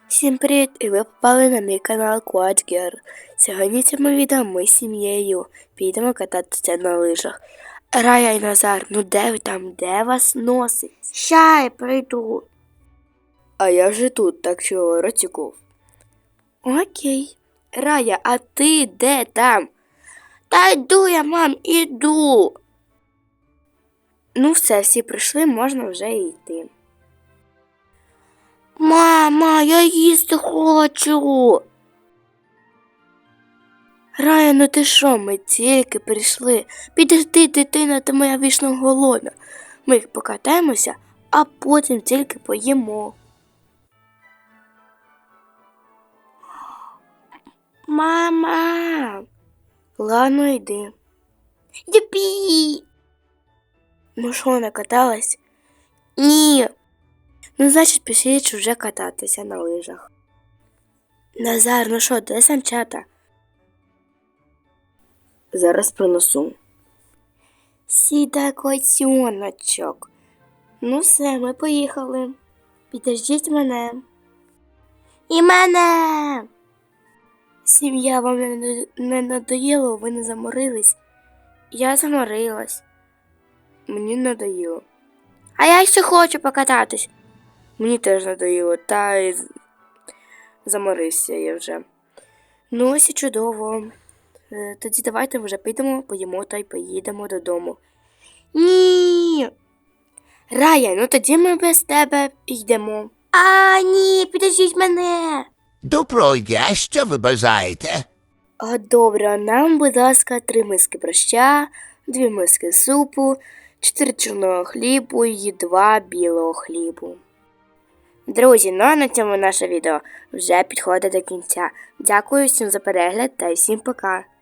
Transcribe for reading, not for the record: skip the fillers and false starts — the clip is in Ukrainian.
Всім привіт! І ви попали на мій канал Quad Girl. Сьогодні в цьому відео ми з сім'єю підемо кататися на лижах. Рая і Назар, ну де ви там? Де вас носить? Ща я прийду. А я вже тут, так що розтіков. Окей. Рая, а ти де там? Та йду я, мам, іду. Ну все, всі прийшли, можна вже йти. Мама, я їсти хочу. Рая, ну ти що, ми тільки прийшли. Підожди, дитина, ти моя вічно голодна. Ми їх покатаємося, а потім тільки поїмо. Мама. Ладно, йди. Юпі. Ну що, накаталась? Ні. Ну, значить, пішли вже кататися на лижах. Назар, ну що, де санчата? Зараз принесу. Сідай, котеночок. Ну все, ми поїхали. Підождіть мене. І мене. Сім'я, вам не надоїло, ви не заморились? Я заморилась. Мені надоїло. А я ще хочу покататись. Мені теж надоїло, та й заморився я вже. Ну ось і чудово. Тоді давайте вже підемо, поїмо та й поїдемо додому. Ні. Рая, ну тоді ми без тебе йдемо. А, ні, підождіть мене. Доброго дня, що ви бажаєте? Добре, нам, будь ласка, 3 миски борща, 2 миски супу, 4 чорного хлібу і 2 білого хлібу. Друзі, ну а на цьому наше відео вже підходить до кінця. Дякую всім за перегляд та всім пока.